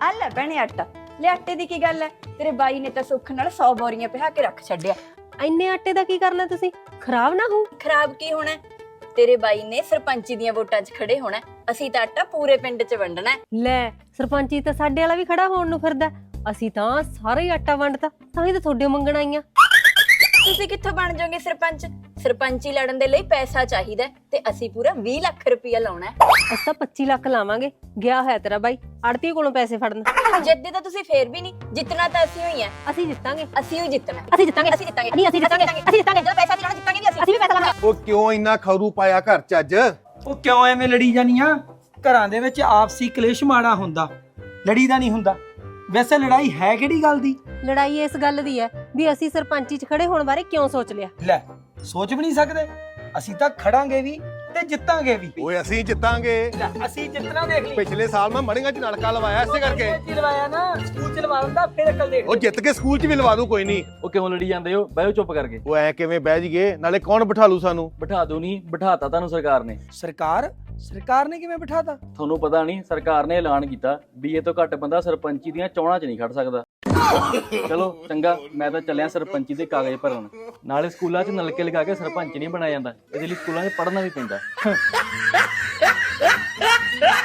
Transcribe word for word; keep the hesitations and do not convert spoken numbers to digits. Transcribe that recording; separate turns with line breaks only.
ਆ ਲੈ ਭੈਣੇ ਆਟਾ ਲੈ। ਆਟੇ ਦੀ ਕੀ ਗੱਲ ਹੈ, ਤੇਰੇ ਬਾਈ ਨੇ ਤਾਂ ਸੁੱਖ ਨਾਲ ਸੌ ਬੋਰੀਆਂ ਪਿਹਾ ਕੇ ਰੱਖ ਛੱਡਿਆ।
ਇੰਨੇ ਆਟੇ ਦਾ ਕੀ ਕਰਨਾ ਤੁਸੀਂ? ਖਰਾਬ ਨਾ ਹੋ।
ਖਰਾਬ ਕੀ ਹੋਣਾ, ਤੇਰੇ ਬਾਈ ਨੇ ਸਰਪੰਚੀ ਦੀਆਂ ਵੋਟਾਂ 'ਚ ਖੜੇ ਹੋਣਾ, ਅਸੀਂ ਤਾਂ ਆਟਾ ਪੂਰੇ ਪਿੰਡ 'ਚ ਵੰਡਣਾ।
ਲੈ ਸਰਪੰਚੀ ਤਾਂ ਸਾਡੇ ਵਾਲਾ ਵੀ ਖੜਾ ਹੋਣ ਨੂੰ ਫਿਰਦਾ, ਅਸੀਂ ਤਾਂ ਸਾਰਾ ਹੀ ਆਟਾ ਵੰਡਤਾ, ਤਾਂ ਹੀ ਤਾਂ ਤੁਹਾਡੇ ਮੰਗਣ ਆਈਆਂ।
ਤੁਸੀਂ ਕਿੱਥੋਂ ਬਣ ਜਾਓਗੇ ਸਰਪੰਚ? ਸਰਪੰਚੀ ਲੜਨ ਦੇ ਲਈ ਪੈਸਾ ਚਾਹੀਦਾ ਤੇ ਅਸੀਂ ਪੂਰਾ ਵੀਹ ਲੱਖ ਰੁਪਇਆ ਲਾਉਣਾ ਹੈ।
ਅਸੀਂ ਤਾਂ ਪੱਚੀ ਲੱਖ ਲਾਵਾਂਗੇ। ਗਿਆ ਹੋਇਆ ਤੇਰਾ ਬਾਈ ਆੜਤੀ ਕੋਲੋਂ ਪੈਸੇ ਫੜਨ।
ਜਿੱਦੇ ਤਾਂ ਤੁਸੀਂ ਫੇਰ ਵੀ ਨਹੀਂ ਜਿੱਤਣਾ, ਤਾਂ ਅਸੀਂ ਹੋਈ ਆ।
ਅਸੀਂ ਜਿੱਤਾਂਗੇ,
ਅਸੀਂ ਹੀ ਜਿੱਤਣਾ,
ਅਸੀਂ ਜਿੱਤਾਂਗੇ,
ਅਸੀਂ ਜਿੱਤਾਂਗੇ,
ਨਹੀਂ ਅਸੀਂ ਜਿੱਤਾਂਗੇ, ਅਸੀਂ ਜਿੱਤਾਂਗੇ।
ਜਦੋਂ ਪੈਸਾ ਦੇਣਾ ਜਿੱਤਾਂਗੇ ਵੀ ਅਸੀਂ
ਅਸੀਂ ਵੀ ਪੈਸਾ ਲਾਵਾਂਗੇ।
ਉਹ ਕਿਉਂ ਇੰਨਾ ਖਰੂ ਪਾਇਆ ਘਰ ਚ ਅੱਜ?
ਉਹ ਕਿਉਂ ਐਵੇਂ ਲੜੀ ਜਾਨੀਆਂ? ਘਰਾਂ ਦੇ ਵਿੱਚ ਆਪਸੀ ਕਲੇਸ਼ ਮਾੜਾ ਹੁੰਦਾ, ਲੜੀ ਦਾ ਨਹੀਂ ਹੁੰਦਾ। ਵੈਸੇ ਲੜਾਈ ਹੈ ਕਿਹੜੀ ਗੱਲ ਦੀ?
ਲੜਾਈ ਇਸ ਗੱਲ ਦੀ ਹੈ ਵੀ ਅਸੀਂ ਸਰਪੰਚੀ 'ਚ ਖੜੇ ਹੋਣ ਬਾਰੇ ਕਿਉਂ ਸੋਚ ਲਿਆ।
ਲੈ ਸੋਚ ਵੀ ਨਹੀਂ ਸਕਦੇ, ਅਸੀਂ ਤਾਂ ਖੜਾਂਗੇ ਵੀ ਤੇ ਜਿੱਤਾਂਗੇ ਵੀ।
ਓਏ ਅਸੀਂ ਜਿੱਤਾਂਗੇ।
ਲੈ, ਅਸੀਂ ਜਿੱਤਣਾ ਦੇਖ ਲਈ।
ਪਿਛਲੇ ਸਾਲ ਮੈਂ ਮੜੀਆਂ ਚ ਨਲਕਾ ਲਵਾਇਆ ਇਸੇ ਕਰਕੇ।
ਸਕੂਲ ਚ ਲਵਾਇਆ ਨਾ, ਸਕੂਲ ਚ ਲਵਾ ਦਿੰਦਾ ਫਿਰ ਅਕਲ ਦੇਖ।
ਉਹ ਜਿੱਤ ਕੇ ਸਕੂਲ ਚ ਵੀ ਲਵਾ ਦੂ, ਕੋਈ ਨਹੀਂ।
ਉਹ ਕਿਉਂ ਲੜੀ ਜਾਂਦੇ ਹੋ? ਬਹਿਓ ਚੁੱਪ ਕਰਕੇ।
ਉਹ ਐ ਕਿਵੇਂ ਬਹਿ ਜੀਏ, ਨਾਲੇ ਕੌਣ ਬਿਠਾ ਲੂ ਸਾਨੂੰ?
ਬਿਠਾ ਦੋ ਨਹੀਂ, ਬਿਠਾਤਾ ਤੁਹਾਨੂੰ ਸਰਕਾਰ ਨੇ।
ਸਰਕਾਰ ਸਰਕਾਰ ਨੇ ਕਿਵੇਂ ਬਿਠਾਤਾ?
ਤੁਹਾਨੂੰ ਪਤਾ ਨਹੀਂ, ਸਰਕਾਰ ਨੇ ਐਲਾਨ ਕੀਤਾ ਵੀ ਇਹ ਤੋਂ ਘੱਟ ਬੰਦਾ ਸਰਪੰਚੀ ਦੀਆਂ ਚੋਣਾਂ 'ਚ ਨਹੀਂ ਖੜ ਸਕਦਾ। ਚਲੋ ਚੰਗਾ, ਮੈਂ ਤਾਂ ਚੱਲਿਆ ਸਰਪੰਚੀ ਦੇ ਕਾਗਜ਼ ਭਰਨ। ਨਾਲੇ ਸਕੂਲਾਂ 'ਚ ਨਲਕੇ ਲਗਾ ਕੇ ਸਰਪੰਚ ਨਹੀਂ ਬਣਾਇਆ ਜਾਂਦਾ, ਇਹਦੇ ਲਈ ਸਕੂਲਾਂ 'ਚ ਪੜ੍ਹਨਾ ਵੀ ਪੈਂਦਾ।